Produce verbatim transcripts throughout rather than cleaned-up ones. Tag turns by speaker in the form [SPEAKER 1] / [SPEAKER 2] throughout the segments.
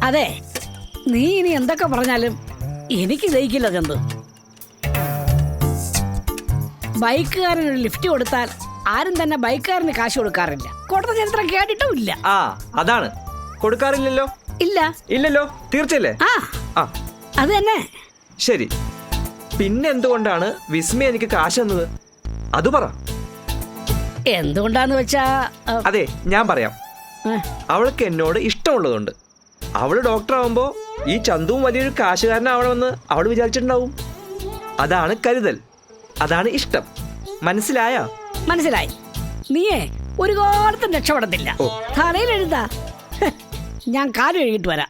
[SPEAKER 1] അതെ, നീ ഇനി എന്തൊക്കെ പറഞ്ഞാലും എനിക്ക് ദഹിക്കില്ല ചന്തു. ബൈക്കുകാരന് ഒരു ലിഫ്റ്റ് കൊടുത്താൽ ആരും തന്നെ ബൈക്കുകാരന് കാശ് കൊടുക്കാറില്ല. കൊടുത്ത ചരിത്രം കേട്ടിട്ടും ഇല്ല.
[SPEAKER 2] ആ അതാണ്, കൊടുക്കാറില്ലല്ലോ.
[SPEAKER 1] ഇല്ല
[SPEAKER 2] ഇല്ലല്ലോ, തീർച്ചയല്ലേ?
[SPEAKER 1] ആ
[SPEAKER 2] ആ
[SPEAKER 1] അത് തന്നെ.
[SPEAKER 2] ശരി, പിന്നെ എന്തുകൊണ്ടാണ് വിസ്മയ എനിക്ക് കാശ് തന്നത്? അത് പറ.
[SPEAKER 1] എന്തുകൊണ്ടാന്ന് വെച്ചാ ആ,
[SPEAKER 2] അതെ, ഞാൻ പറയാം.
[SPEAKER 1] ആ,
[SPEAKER 2] അവൾക്ക് എന്നോട് ഇഷ്ടമുള്ളതുകൊണ്ട്. അവള് ഡോക്ടർ ആവുമ്പോ ഈ ചന്തുവും വലിയൊരു കാശുകാരനാവണമെന്ന് അവൾ വിചാരിച്ചിട്ടുണ്ടാവും. അതാണ് കരുതൽ, അതാണ് ഇഷ്ടം. മനസ്സിലായ?
[SPEAKER 1] മനസ്സിലായി. നീയേ ഒരു കാലത്തും രക്ഷപ്പെടത്തില്ല.
[SPEAKER 2] ഓ.
[SPEAKER 1] തലയിൽ എഴുതാ. ഞാൻ കാല് കഴുകിട്ട് വരാം.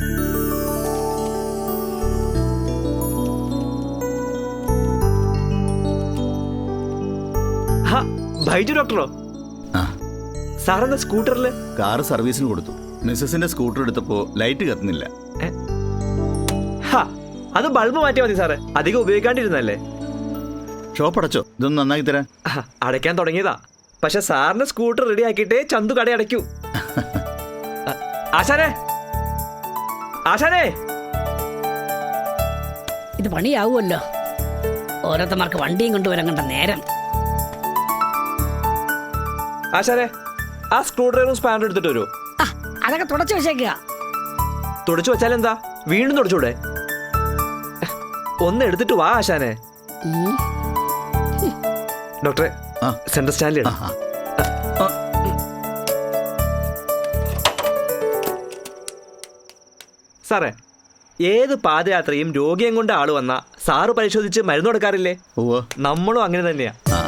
[SPEAKER 2] ഹാ, ബൈജു ഡോക്ടറോ?
[SPEAKER 3] ആ,
[SPEAKER 2] സാറെന്താ സ്കൂട്ടറില്?
[SPEAKER 3] കാറ് സർവീസിന് കൊടുത്തു. മിസ്സസിന്റെ സ്കൂട്ടർ എടുത്തപ്പോ ലൈറ്റ് കത്തുന്നില്ല.
[SPEAKER 2] ഹാ, അത് ബൾബ് മാറ്റിയാൽ മതി സാറേ, അധികം ഉപയോഗിക്കാണ്ടിരുന്നല്ലേ.
[SPEAKER 3] ഷോപ്പ് അടച്ചോ? ഇതൊന്ന് നന്നാക്കി തരാൻ.
[SPEAKER 2] ആഹ്, അടയ്ക്കാൻ തുടങ്ങിയതാ. പക്ഷെ സാറിന്റെ സ്കൂട്ടർ റെഡി ആക്കിയിട്ടേ ചന്തു കട അടയ്ക്കൂ. ആ, ആശാനെ, ആശാനെ.
[SPEAKER 1] ഇത് പണിയാവുമല്ലോ. ഓരോരുത്തന്മാർക്ക് വണ്ടിയും കൊണ്ടുവരാൻ കണ്ട നേരം.
[SPEAKER 2] ആശാനെ, ആ സ്ക്രൂ ഡ്രൈവറും സ്പാനറും എടുത്തിട്ട് വരുമോ?
[SPEAKER 1] ആ, അതൊക്കെ തുടച്ചു വെച്ചേക്കുക.
[SPEAKER 2] തുടച്ചു വെച്ചാലെന്താ, വീണ്ടും തുടച്ചൂടെ? ഒന്ന് എടുത്തിട്ട് വാ ആശാനെ.
[SPEAKER 1] ഉം.
[SPEAKER 2] ഡോക്ടറെ,
[SPEAKER 3] ആ.
[SPEAKER 2] സെൻട്രൽ സ്റ്റാൻഡിൽ
[SPEAKER 3] ആ, ആ.
[SPEAKER 2] സാറേ, ഏത് പാദയാത്രയും രോഗിയും കൊണ്ട് ആള് വന്ന സാറ് പരിശോധിച്ച് മരുന്ന് കൊടുക്കാറില്ലേ?
[SPEAKER 3] ഉവ്വ്.
[SPEAKER 2] നമ്മളും അങ്ങനെ തന്നെയാ.
[SPEAKER 3] ആ,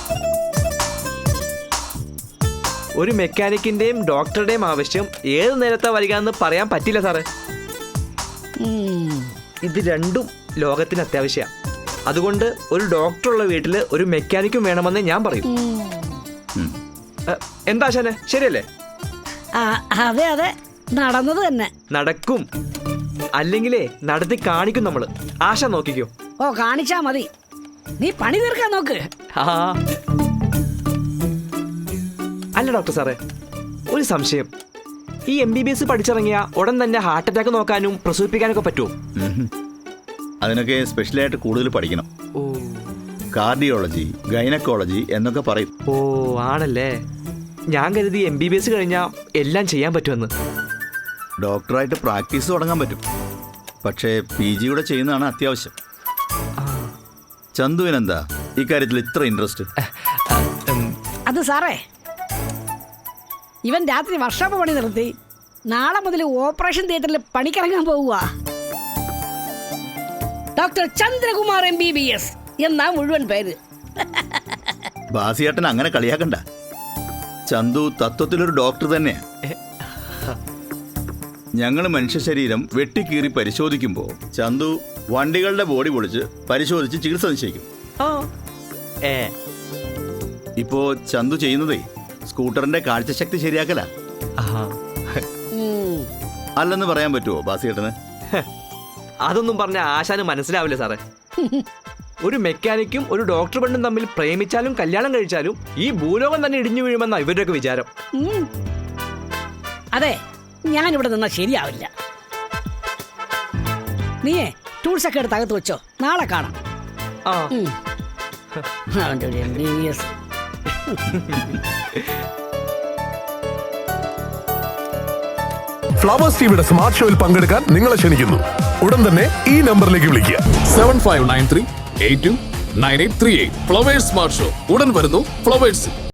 [SPEAKER 2] ഒരു മെക്കാനിക്കിന്റെയും ഡോക്ടറുടെയും ആവശ്യം ഏത് നേരത്താ വരിക എന്ന് പറയാൻ പറ്റില്ല സാറേ.
[SPEAKER 1] ഉം.
[SPEAKER 2] ഇത് രണ്ടും ലോകത്തിന് അത്യാവശ്യമാണ്. അതുകൊണ്ട് ഒരു ഡോക്ടറുള്ള വീട്ടിൽ ഒരു മെക്കാനിക്കും വേണമെന്ന് ഞാൻ പറയും.
[SPEAKER 1] ഉം.
[SPEAKER 3] ഉം.
[SPEAKER 2] എ, എന്താ ആശാനെ, ശരിയല്ലേ?
[SPEAKER 1] ആ, അതെ അതെ, നടന്നത് തന്നെ.
[SPEAKER 2] നടക്കും, അല്ലെങ്കിലേ നടത്തി കാണിക്കും നമ്മള്. ആശ നോക്കിക്കോ.
[SPEAKER 1] ഓ, കാണിച്ചാ മതി. നീ പണി തീർക്കാൻ നോക്ക്.
[SPEAKER 2] ആ അല്ല ഡോക്ടർ സാറേ, ഒരു സംശയം. ഈ എം ബി ബി എസ് പഠിച്ചിറങ്ങിയ ഉടൻ തന്നെ ഹാർട്ട് അറ്റാക്ക് നോക്കാനും പ്രസവിപ്പിക്കാനൊക്കെ പറ്റുമോ?
[SPEAKER 3] ഉം. അതിനൊക്കെ സ്പെഷ്യലായിട്ട് കൂടുതൽ പഠിക്കണം.
[SPEAKER 2] ഓ
[SPEAKER 3] കാർഡിയോളജി, ഗൈനക്കോളജി എന്നൊക്കെ പറയും.
[SPEAKER 2] ഓ ആണല്ലേ. ഞാൻ കരുതി എം ബി ബി എസ് കഴിഞ്ഞാൽ എല്ലാം ചെയ്യാൻ പറ്റുമെന്ന്.
[SPEAKER 3] ഡോക്ടറായിട്ട് പ്രാക്ടീസ് തുടങ്ങാൻ പറ്റും. പക്ഷേ പി ജി കൂടെ ചെയ്യുന്നതാണ് അത്യാവശ്യം. ചന്തുവിനെന്താ ഇക്കാര്യത്തിൽ ഇത്ര ഇൻട്രസ്റ്റ്?
[SPEAKER 1] അത് സാറേ, ഇവൻ രാത്രി വർക്ക്ഷോപ്പ് പണി നിർത്തി നാളെ മുതൽ ഓപ്പറേഷൻ തിയേറ്ററിൽ പണിക്കിറങ്ങാൻ പോവുക. Doctor Chandrakumar M B B S എന്നാ മുഴുവൻ പേര്.
[SPEAKER 3] ബാസിയേട്ടൻ അങ്ങനെ കളിയാക്കണ്ട. ചന്തു തത്വത്തിലൊരു ഡോക്ടർ തന്നെയാ. ഞങ്ങൾ മനുഷ്യ ശരീരം വെട്ടിക്കീറി പരിശോധിക്കുമ്പോൾ ചന്തു വണ്ടികളുടെ ബോഡി പൊളിച്ച് പരിശോധിച്ച് ചികിത്സ നിശ്ചയിക്കും.
[SPEAKER 2] ആ ഏ
[SPEAKER 3] ഇപ്പോ ചന്തു ചെയ്യുന്നതേ സ്കൂട്ടറിന്റെ കാഴ്ചശക്തി ശരിയാക്കല.
[SPEAKER 2] ആഹാ.
[SPEAKER 1] ഉം.
[SPEAKER 3] അല്ലെന്ന് പറയാൻ പറ്റുമോ ബാസിയേട്ടന്?
[SPEAKER 2] അതൊന്നും പറഞ്ഞ ആശാന് മനസ്സിലാവില്ല സാറേ. ഒരു മെക്കാനിക്കും ഒരു ഡോക്ടർ പെണ്ണും തമ്മിൽ പ്രേമിച്ചാലും കല്യാണം കഴിച്ചാലും ഈ ഭൂലോകം തന്നെ ഇടിഞ്ഞു വീഴുമെന്ന ഇവരുടെയൊക്കെ വിചാരം.
[SPEAKER 1] ഉം. അതെ, ഞാനിവിടെ നിന്നാ ശരിയാവില്ല. നീയേ ടൂൾസ് ഒക്കെ എടുത്ത് അകത്ത് വെച്ചോ, നാളെ കാണാം.
[SPEAKER 2] ആ
[SPEAKER 1] ഉം. അവൻ്റെ ഒരു M B B S.
[SPEAKER 4] Flowers ടിവിയുടെ സ്മാർട്ട് ഷോയിൽ പങ്കെടുക്കാൻ നിങ്ങളെ ക്ഷണിക്കുന്നു. ഉടൻ തന്നെ ഈ നമ്പറിലേക്ക് വിളിക്കുക.
[SPEAKER 5] Seven five nine three eight two nine eight three eight. Flowers smart show ഉടൻ വരുന്നു ഫ്ലവേഴ്സ്.